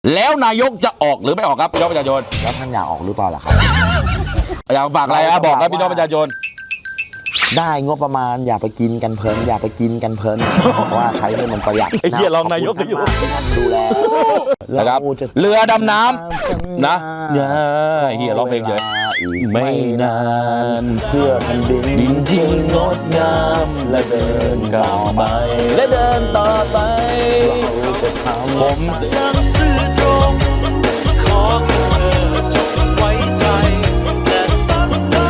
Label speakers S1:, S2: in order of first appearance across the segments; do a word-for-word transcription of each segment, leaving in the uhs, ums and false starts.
S1: แล้วนายกจะออกหรือไม่ออกครับพี่น้องประชาชน
S2: แล้วท่านอยากออกหรือเปล่าล่ะครับ
S1: อยากฝากอะไรครับบอกครับพี่น้องประชาชน
S2: ได้งบประมาณอย่าไปกินกันเพลินอย่าไปกินกันเพลินว่าใช้ให้มันประหยัด
S1: ไอ้เหี้ยรองนายกอยู่
S2: ดูแล
S1: นะครับเรือดำน้ำนะเนี่ยเหี้ยร้องเพลงเฉยไม่นาน
S2: เพื่อแผ่นดิน
S1: ดินที่งดงามและเดินก้าวไปและเดินต่อไป
S2: เราจะทำ
S1: ผม
S3: หนังสือตรงขอเธอจงไว้ใจและตั้งใจ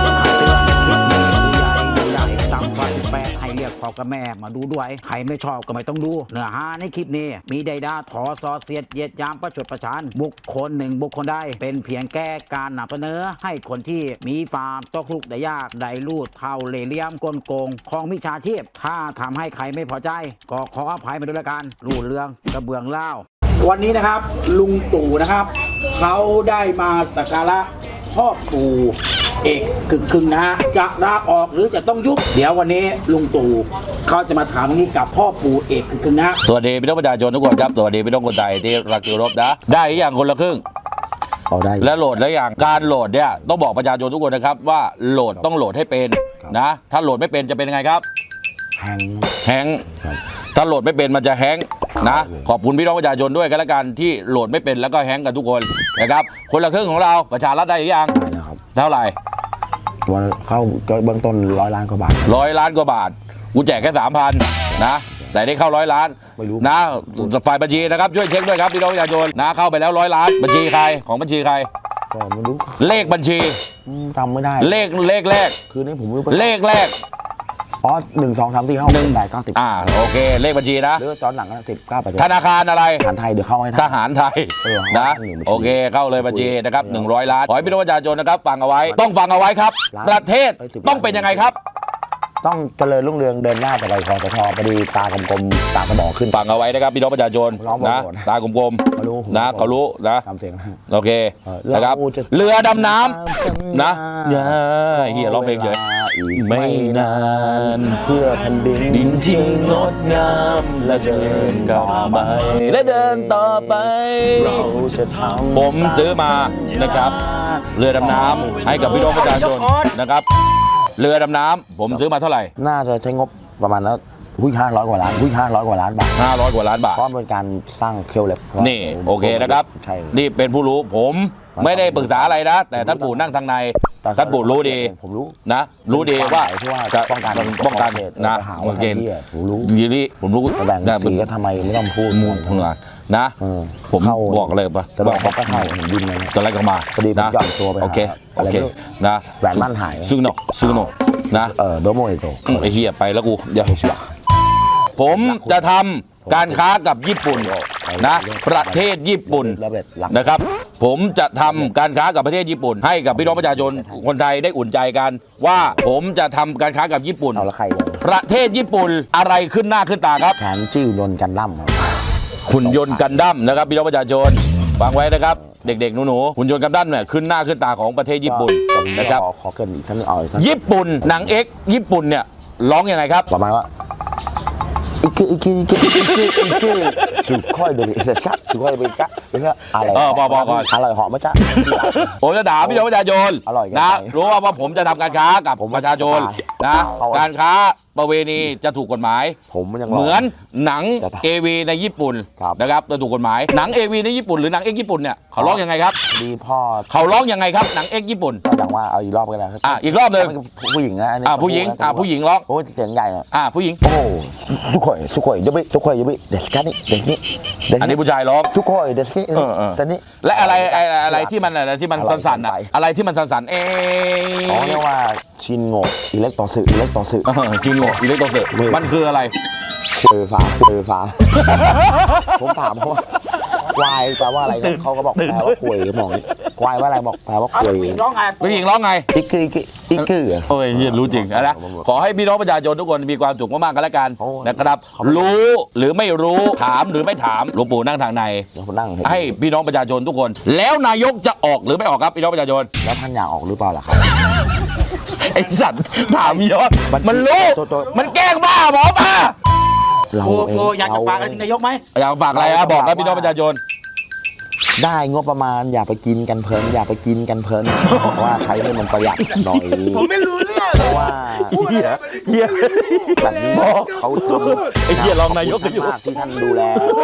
S4: ต่ำกว่าสิบแปดให้เรียกพ่อกับแม่มาดูด้วยใครไม่ชอบก็ไม่ต้องดูเนื้อหาในคลิปนี้มีใดดาถอซอเสียดเยียดยามประชดประชันบุคคลหนึ่งบุคคลใดเป็นเพียงแก้การนำเสนอให้คนที่มีฟาร์มตกลุกได้ยากได้ลูดเท่าเล่ห์เหลี่ยมกลโกงของมิจฉาชีพถ้าทำให้ใครไม่พอใจก็ขออภัยมาด้วยละกันรูดเรื่องกระเบื้องเล่าวันนี้นะครับลุงตู่นะครับเขาได้มาสักการะพ่อปู่เอกกึกกึ่งนะฮะจะลาออกหรือจะต้องยุบเดี๋ยววันนี้ลุงตู่เขาจะมาถามนี้กับพ่อปู่เอกกึกกึ่งนะ
S1: สวัสดีพี่น้องประชาชนทุกคนครับสวัสดีพี่น้องคนไทยที่รักเคารพนะได้อย่างคนละครึ่ง
S2: เอาได้
S1: และโหลดแล้วอย่างการโหลดเนี่ยต้องบอกประชาชนทุกคนนะครับว่าโหลดต้องโหลดให้เป็นนะถ้าโหลดไม่เป็นจะเป็นยังไงครับ
S2: แฮง
S1: แฮงถ้าโหลดไม่เป็นมันจะแฮงนะขอบคุณพี่น้องประชาชนด้วยกันละกันที่โหลดไม่เป็นแล้วก็แฮงกันทุกคนนะครับคนละครึ่งของเราประชารัฐได้หรือยัง
S2: ได้แล้วครับ
S1: เท่าไหร่
S2: วันเข้าก็เบื้องต้นร้อยล้านกว่าบาท
S1: ร้อยล้านกว่าบาทกูแจกแค่สามพันนะแต่ได้เข้าร้อยล้านนะฝ่ายบัญชีนะครับช่วยเช็คด้วยครับพี่น้องประชาชนนะเข้าไปแล้วร้อยล้านบัญชีใครของบัญชีใคร
S2: ก็ไม่รู้
S1: เลขบัญชี
S2: จำไม่ได้
S1: เลขเลขแรก
S2: คือนี่ผมรู้
S1: เลขแรก
S2: อ๋อหนึ่งสองสามสี่ห้าหนึ่งแปดเก้าสิบ
S1: อ่าโอเคเลขบัญชีนะ
S2: หรือตอนหลังก็สิบเก้าแปด
S1: ธนาคารอะไร
S2: ทหารไทยเดี๋ยวเข้าให้
S1: ทหารไทยนะโอเคเข้าเลยบัญชีนะครับหนึ่งร้อยล้านขอให้พี่น้องประชาชนนะครับฟังเอาไว้ต้องฟังเอาไว้ครับประเทศต้องเป็นยังไงครับ
S2: ต้องเจริญรุ่งเรืองเดินหน้าแต่ไรคอสทพอดีตากลมๆตากระบอกขึ้น
S1: ฟังเอาไว้นะครับพี่น้องประชาชนนะตากลมๆนะเขารู้นะ
S2: ทำเสียงนะ
S1: โอเคนะครับเรือดำน้ำนะเนี่ยเฮียร้องเพลงเฉยไม่นาน
S2: เพื่อแผ่นดิน
S1: ดินที่งดงามและเดินก้าวไปและเดินต่อไป
S2: เราจะทำ
S1: ผมซื้อมานะครับเรือดำน้ำให้กับพี่น้องประชาชนนะครับเรือดำน้ำผมซื้อมาเท่าไหร่
S2: น่าจะใช้งบประมาณแล้วหุ้ยห้าร้อยกว่าล้านหุ้ยห้าร้อยกว่าล้านบาท
S1: ห้าร้อยกว่าล้านบาท
S2: เพราะเป็นการสร้างเคลเล็บ
S1: นี่โอเคนะครับนี่เป็นผู้รู้ผมไม่ได้ปรึกษาอะไรนะแต่ท่านปู่นั่งทางในท่านปู่รู้ดี
S2: ผมรู้
S1: นะรู้ดีว่า
S2: จะป้องกัน
S1: ป้องกันนะ
S2: โอเคผมรู้
S1: ยีนี่ผมรู้
S2: แบ่งสีก็ทำไมไม่ต้องพูด
S1: มูลนะนะผมบอกเลยปะ
S2: แต่บอกเขาก็เข้าเห็นดินเลย
S1: ตอนแรกก็มา
S2: พอดีผมหย่อนตัวไป
S1: โอเคโอเคนะ
S2: แหวนมั่นหาย
S1: ซึ่งโนซึ่งโนนะ
S2: เออโดโมเอโต
S1: ไอ้เหี้ยไปแล้วกูเดี๋ยวผมจะทำการค้ากับญี่ปุ่นนะประเทศญี่ปุ่นนะครับผมจะทำการค้ากับประเทศญี่ปุ่นให้กับพี่น้องประชาชนคนไทยได้อุ่นใจกันว่าผมจะทำการค้ากับญี่ปุ่นประเทศญี่ปุ่นอะไรขึ้นหน้าขึ้นตาครับ
S2: แขนจิ้วยนต์กันดั้ม
S1: หุ่นยนต์กันดั้มนะครับพี่น้องประชาชนฟังไว้นะครับเด็กๆหนูๆหุ่นยนต์กันดั้มเนี่ยขึ้นหน้าขึ้นตาของประเทศญี่ปุ่นนะครับ
S2: ขอเกินอีกท่านเอา
S1: ญี่ปุ่นหนังเอ็กญี่ปุ่นเนี่ยร้องยังไงครับ
S2: ประมาณว่าอีกอีกอีกอีกอีกอีกอีกสุดค่อยดูเสร็จครับสุดค่อยดูกะเป็นก็อะไร
S1: เออบอกบอกก่อน
S2: อร่อยเหาะมั้ยจ๊ะ
S1: ผมจะถามพี่น้องประชาชนนะรู้ว่าว่าผมจะทำการค้ากับประชาชนนะการค้าประเวณีจะถูกกฎหมาย
S2: ผมมันยัง
S1: เหมือนหนังเอวีในญี่ปุ่นนะครับจะถูกกฎหมายหนังเอวีในญี่ปุ่นหรือหนังเอ็กญี่ปุ่นเนี่ยเขาร้องยังไงครับ
S2: ดีพ่อ
S1: เขาร้องยังไงครับหนังเอ็กญี่ปุ่น
S2: ก็อย่างว่าเอาอีกรอบก็ได้
S1: อ่ะอีกรอบนึง
S2: ผู้หญิงนะ
S1: อ่ะผู้หญิงอ่ะผู้หญิงร้อง
S2: โอ้เสียงใหญ่
S1: อ่ะผู้หญิง
S2: โอ้ทุกคนทุกคนยบิทุกคนยบิเด็กกันนี่เด็กนี่
S1: อันนี้ผู้ชายร้อง
S2: ทุกคนเด็กนี่สันนี่
S1: และอะไรอะไรที่มันอะไรที่มันสั่นๆอ่ะอะไรที่มันสั่นๆเอ
S2: อ๋อเรียกว่าชินโง่อิเล็กโตสึอิเล็กโตสึ
S1: ชินโง่อิเล็กโตสึมันคืออะไร
S2: เออฟ้าเออฟ้าผมถามเขาว่าควายแปลว่าอะไรเขาก็บอกแปลว่าคุยมองควายว่าอะไรบอกแปลว่าคุย
S1: ผู้หญิงร้องไงผู้หญิงร้องไง
S2: อีกคืออีกคือ
S1: โอ้ยรู้จริงนะขอให้พี่น้องประชาชนทุกคนมีความสุขมากๆกันแล้วกันนะครับรู้หรือไม่รู้ถามหรือไม่ถามหลวงปู่นั่งทางในให้พี่น้องประชาชนทุกคนแล้วนายกจะออกหรือไม่ออกครับพี่น้องประชาชน
S2: แล้วท่านอยากออกหรือเปล่าล่ะครับ
S1: ไอ้สัตว์ถามยอดมันรู้มันแกล้งบ้าหมอป้า
S4: เราเองอยากจะฝากอะไรถึงนายกไหม
S1: อยากฝากอะไรครับบอกครับพี่น้องประชาชน
S2: ได้งบประมาณอย่าไปกินกันเพลินอย่าไปกินกันเพลินเพราะว่าใช้ให้มันประหยัดหน่อยผมไม่รู้เรื่องเพราะว่า
S1: เฮียเฮีย
S2: แบบนี้เขาทำ
S1: ไอ้เหี้ยรองนายกก็อยู่
S2: มากที่ท่านดูแล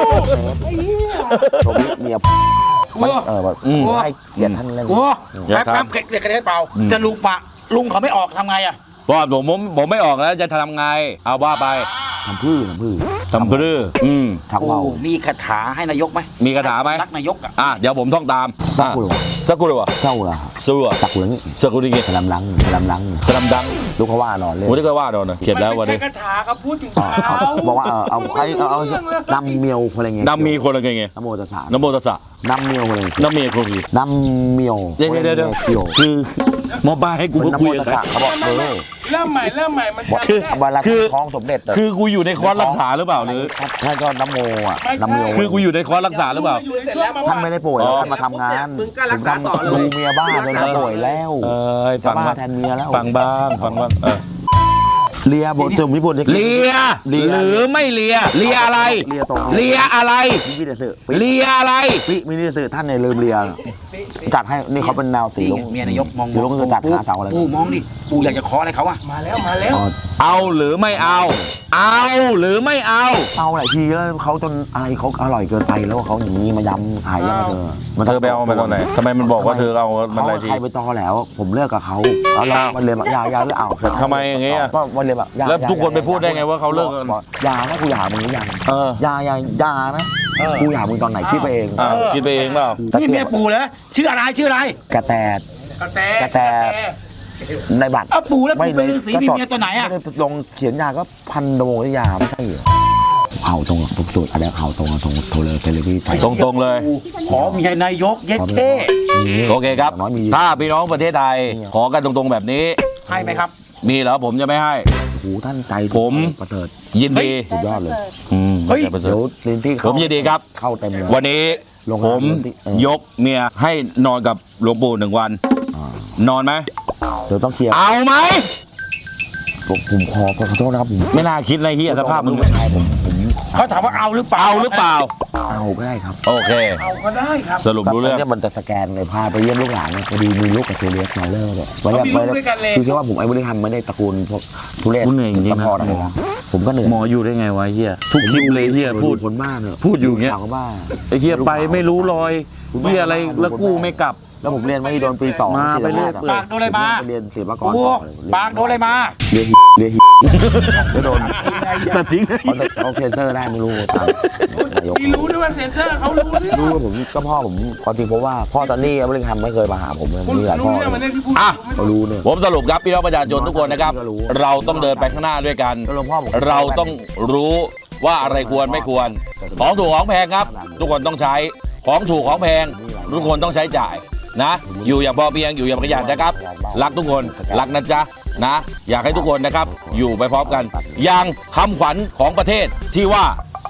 S2: ผมเมียเออแบบให้เกียรติท่านเล่น
S4: โอ้
S1: อย่า
S4: แป๊บ
S1: ทำ
S4: แป๊บเด็กกระเด็นเปล่าจะลุงปะลุงเขาไม่ออกทำไงอ่ะ
S1: เพราะผมผมผมไม่ออกแล้วจะทำไง เอาว่าไป
S2: ทำพื้นทำพื้น
S1: ทำพรืออืม
S2: ทำเบา
S4: โอ้มีคาถาให้นายกไหม
S1: มีคาถาไหม
S4: รักนายกอ่ะ
S1: อ่ะเดี๋ยวผมท่องตาม
S2: สักกุหลาบ
S1: สักกุลวะ
S2: เศร้าละ
S1: สักกุลวะ
S2: สักกุหลาบ
S1: สักกุลนี่
S2: สลัมลังสลัมลัง
S1: สลัมดัง
S2: ลูกเขาว่านอนเลย
S1: ผมได้ก็ว่าโดนนะเขียนแล้ววันนี้
S4: คาถาเขาพูดถึง
S2: เอาเอาบอกว่าเออเอาไอ้เอาเอานำเมียวอะไรเงี้ย
S1: น้ำมีคนละไงไง
S2: นโมตัสสะ
S1: น้ำโมตัสสะ
S2: นำเมียวอะไรเงี้ย
S1: น้ำมีคนกี่
S2: นำเมียว
S1: เดี๋ยวเดี๋ยวเดี๋ยว
S2: เกี่ยว
S1: คือหมอปลาให้กู
S2: เป็นน
S1: คุ
S2: โม
S1: ย
S2: ตั
S1: กั
S2: ส
S1: บ
S2: สะเขาบอกเออ
S5: เริ่มใหม่เริ่มใหม่มัน
S2: บอก
S5: จำได้
S2: เวลา
S1: คือ
S2: ท้องสมเด็จอะ
S1: คือกูอยู่ในคอร์สรักษาหรือเปล่าหรือ
S2: ท่านก็นโมอ่ะนำเมียว
S1: คือกูอยู่ในคอร์สรักษาหรือเปล่า
S5: อยู่ในช่วงมา
S2: ท่านไม่ได้ป่วยแล้วท่านมาทำงานผมทำดูเมียบ้านเลยนะป่วยแล้ว
S1: เอ้ย
S2: จะ
S1: ฟัง
S2: บ้า
S1: บ้าง
S2: แทนเมียแล้ว
S1: ฟังบ้างฟังบ้างเออ
S2: เลียบทถึงมิบุญ
S1: เลีย
S2: เลีย
S1: หรือไม่เลียเลียอะไร
S2: เลียตรง
S1: เลียอะไร
S2: มิวิเดสึปิ
S1: เลียอะไร
S2: ปิมิวิเดสึท่านเนี่ยลืมเลียจัดให้นี่เขาเป็นแนวสี
S4: นี่
S2: ลุ
S4: ไง
S2: ง
S4: เมียนายกมอง
S2: สีลุงคือจัดหาเสาอะไร
S4: ปูมองดิปูอยากจะขออะไรเขาอ่ะ
S5: มาแล้วมาแล้ว
S2: อ๋อ
S1: เอาหรือไม่เอา เอาหรือไม่เอา
S2: เอาหลายทีแล้วเขาจนอะไรเขาอร่อยเกินไปแล้วเขาอย่างนี้มายำหายยังไงเธอ
S1: เธอไปเอามาตอนไหนทำไมมันบอกว่าเธอเอามัน
S2: เขา
S1: อะไรที
S2: ใครไปตอแล้ว ผมเลิกกับเขาแล้วเรามันเลยแบบยายาแล้วเอา
S1: ทำไมอย่างเงี้ย
S2: ก็มันเลยแบบยา
S1: แล้วทุกคนไปพูดได้ไงว่าเขาเลิกกัน
S2: บอกยานะกูอยากมึงหรือยัง
S1: เออ
S2: ยายายานะกูอยากมึงตอนไหนคิดไปเอง
S1: อ่าคิดไปเองเปล่า
S4: นี่เมียปูแล้วชื่ออะไรชื่ออะไร
S2: กระแต
S5: กระแต
S2: กระแต ในบัตร
S4: เอาปูแล้วปู
S2: ไม่
S4: เป็นฤาษีมีเมียตัวไหนอ่ะ
S2: ไม่ได้ลงเขียนยาก็พันโดงยาไม่ใช่เหรอเผาตรงทุกสูตรอะไรเผาตรงตรงโทรเลยเทเลวีไทย
S1: ตรงๆเลย
S4: ขอเมียนายกเย็ดเท่
S1: โอเคครับ
S2: น้อยมี
S1: ถ้าพี่น้องประเทศไทย ขอกันตรงๆแบบนี้
S4: ให้ไหมครับ
S1: มีเหรอผมจะไม่ให้
S2: หูท่านใจ
S1: ผม
S2: ประเสริฐ
S1: ยินดี
S2: สุดยอดเลย
S1: อืม
S4: เฮ้ย
S1: ประเสริ
S2: เดี๋
S1: ฐ
S2: ยวลินที่
S1: ผ
S2: เข้าม
S1: ยินดีครับ
S2: เข้าเต็มเลย
S1: วันนี้
S2: โรง
S1: ผ
S2: งาน
S1: ม
S2: เออย
S1: กเมียให้นอนกับหลวงปู่หนึ่งวัน
S2: อ่าน
S1: อนไหม
S2: เดี๋ยวต้องเคลียร์
S1: เอาไหม
S2: ผมผมขอขอโทษนะครับผม
S1: ไม่น่าคิดเลยเฮียสภาพมึง
S2: ผู้ชายผมผมขอ
S4: เขาถามว่าเอาหรือเปล่า
S1: เอาหรือเปล่า
S2: เอาก็ได้ครับ
S1: โอเค
S5: เอาก็ได้ครับ
S1: สรุปรู้เรื่อง
S2: เนี่ยมันจะสแกนเลยพาไปเยี่ยมลูกหลานเนี่ยพอดีมีลูกกับเทเลียสมาเลอร์เนี่ยวันแรก
S5: เขามีลูกด้วยกันเลย
S2: คือแค่ว่าผมไอ้บริหารไม่ได้ตระกูลพวกทุเรศ
S1: กูเหนื่อยจริงๆนะ
S2: ซัพพอร์ตอะไรนะผมก็เหนื่อย
S1: หมออยู่ได้ไงวะเฮียทุกคลิปเลยเฮียพูด
S2: คนบ้าเนี่ย
S1: พูดอยู่อย่างเงี้ย
S2: ข่าวก็บ้า
S1: ไอ้เฮียไปไม่รู้รอยเฮียอะไรแล้วกู้ไม่กลับ
S2: แล้วผมเรียนไม่โดนปีสอง
S1: มาไปเรื่อย
S2: ศิล
S1: เปื่อย
S4: ปากโดนอะไรมา
S2: ผมเรียนศิลปากร
S4: ปู
S2: ต่อ
S4: ปากโดนอะไรมา
S2: เรียนเรียนแล้วโดน
S1: ตัดทิ้ง
S2: เขาเขาเซ็นเซอร์ได้ไม่รู้ตามนายก
S5: มีรู้ด้วยว่าเซนเซอร์เขารู้เรื่อง
S2: รู้ว่าผมก็พ่อผมความจริงเพราะว่าพ่อตอนนี้บริหารไม่เคยมาหาผมเลย
S5: คุณ
S2: มีหลาย
S5: รู้
S2: พ่อ
S5: เรื่องมันเนี่ยที่พูด
S1: อ่ะ
S2: เขารู้เนี่ย
S1: ผมสรุปครับพี่น้องประชาชนทุกคนนะครับ เราต้องเดินไปข้างหน้าด้วยกัน
S2: แล้วหลวงพ่อผม
S1: เราต้องรู้ว่าอะไรควรไม่ควร ของถูกของแพงครับ ทุกคนต้องใช้ของถูกของแพง ทุกคนต้องใช้จ่ายนะ อยู่อย่างพอเพียงอยู่อย่างประหยัดนะครับ รักทุกคนรักนะจ๊ะนะ อยากให้ทุกคนนะครับ อยู่ไปพร้อมกัน อย่างคำขวัญของประเทศที่ว่า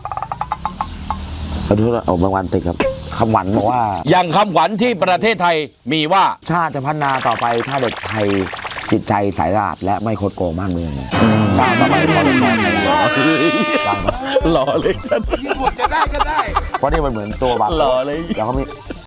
S2: ขอโทษนะเอาบางวันติดครับคำหวันบอกว่า
S1: อย่างคำขวัญที่ประเทศไทยมีว่า
S2: ชาติจะพัฒนาต่อไปถ้าเด็กไทยจิตใจสายสะอาดและไม่คดโกงบ้านเมืองชาติต่อไปเขาจะสอนไทยได้
S1: หล่อเลยฉัน
S5: ที่บทจะได้ก็ได้
S2: เพราะนี่มันเหมือนตัวบัตร
S1: หล่อเลย
S2: แล้วเขามี